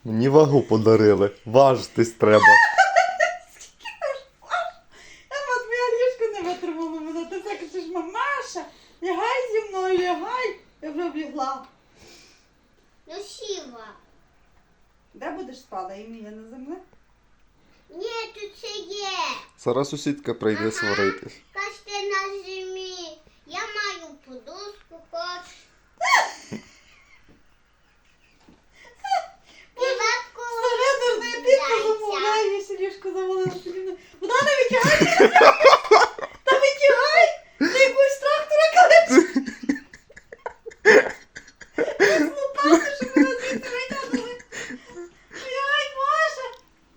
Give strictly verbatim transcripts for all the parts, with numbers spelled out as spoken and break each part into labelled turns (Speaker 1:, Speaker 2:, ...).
Speaker 1: Мені вагу подарили. Важитись треба.
Speaker 2: Ема, твоя ліжко не витримала мене. Ти все кажеш, мамаша, лягай зі мною, лягай. Я вже облігла.
Speaker 3: Ну сіла.
Speaker 2: Де будеш спала, Еміля, на землі?
Speaker 3: Ні, тут ще є.
Speaker 1: Зараз сусідка прийде сваритись.
Speaker 3: Кажете на зимі. Я маю подушку, хоч. Піватку.
Speaker 2: Старе дурне піку замовляє, я ще ліжко завалила собі. Вона не витягай! Та витягай! Ти якусь трактора калечиш! Ти слупати, що мене звідси витягнули! Ай, Боже!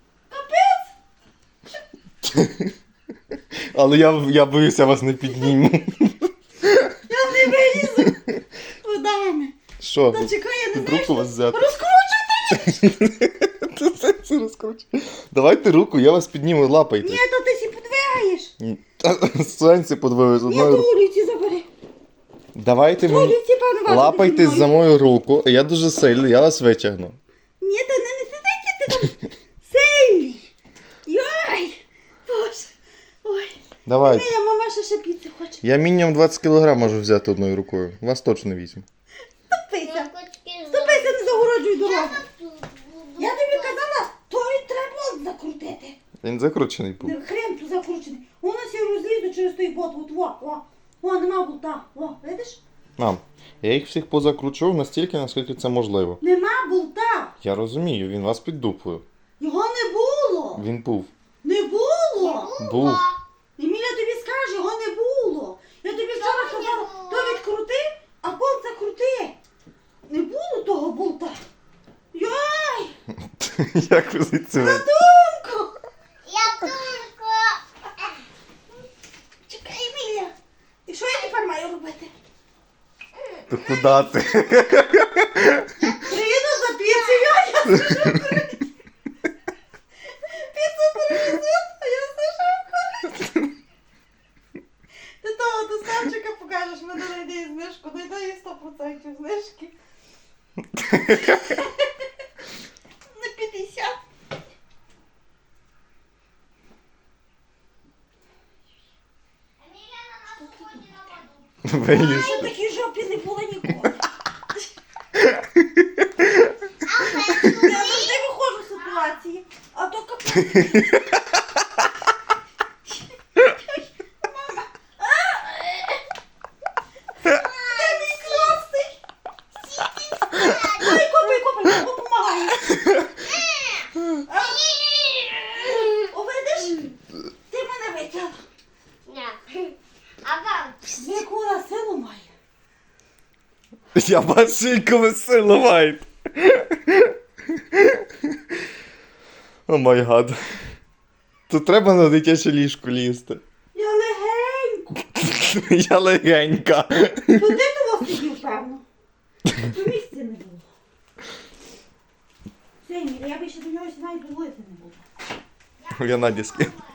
Speaker 2: Капець!
Speaker 1: Але я, я боюсь, я вас не підніму.
Speaker 2: Я не вилізу! Водами!
Speaker 1: Що?
Speaker 2: Та чекай, я не
Speaker 1: Під
Speaker 2: знаю,
Speaker 1: руку вас взяти.
Speaker 2: розкручуйте!
Speaker 1: Ти все це розкручуєш. Давайте руку, я вас підніму, лапайте.
Speaker 2: Ні, то ти сі подвигаєш!
Speaker 1: Ні. Та, Сенсі подвою з
Speaker 2: Ні,
Speaker 1: одною
Speaker 2: то
Speaker 1: рукою.
Speaker 2: улиці забери!
Speaker 1: Давайте
Speaker 2: То
Speaker 1: мені.
Speaker 2: улиці, певно, важко
Speaker 1: Лапайтесь
Speaker 2: піднімаю.
Speaker 1: за мою руку, я дуже сильний, я вас витягну.
Speaker 2: Ні, та не не сидайте, ти там сильний. Йой, Боже. Ой.
Speaker 1: Давайте.
Speaker 2: Моя мама ще ще піци хоче.
Speaker 1: Я мінімум двадцять кілограм можу взяти одною рукою. Вас точно візьму.
Speaker 2: Ступися. Ступися, не загороджуй дорогу. Я тобі казала, той треба закрутити.
Speaker 1: Він закручений був.
Speaker 2: Не хрен тут закручений. Воно сі розлізу через той бот. От, во, во. О, нема болта. О, видиш?
Speaker 1: Мам, я їх всіх позакручував настільки, наскільки це можливо.
Speaker 2: Нема болта.
Speaker 1: Я розумію, він вас піддупує.
Speaker 2: Його не було.
Speaker 1: Він був.
Speaker 2: Не було.
Speaker 1: Був.
Speaker 2: Еміля тобі скаже, його не було. Я тобі вчора
Speaker 3: Чого не
Speaker 2: казала,
Speaker 3: було?
Speaker 2: то відкрути, а болт закрути. Не було того болта. Йой,
Speaker 1: Як ви звідси? ви-
Speaker 2: думку.
Speaker 3: Я тільки.
Speaker 2: Чекай, Еміля. І що я тепер маю робити?
Speaker 1: То куди ти?
Speaker 2: Приїду за піцею, а я сижу курити. Піцу привезуть, а я сижу курити. Ти того доставчика покажеш, мене знайде і знижку, знайде їй сто відсотків знижки. На п'ятдесят.
Speaker 1: Виліз.
Speaker 2: Я в такій жопі не була ніколи. Я завжди виходжу з ситуації, а то капець. Мама. Де мій класний? Ай, копай, копай, я допомагаю. О, видиш? Ти мене витягла.
Speaker 3: А вам?
Speaker 2: Яку вона силу має?
Speaker 1: Я бачу, яку ви силу маєте. О май гад. Тут треба на дитяче ліжко лізти.
Speaker 2: Я легенько.
Speaker 1: Я легенька.
Speaker 2: Туди того сидів, певно. По місці не було. Все, Емілія, я більше до нього навіть говорити не буду.
Speaker 1: Я Наді скину.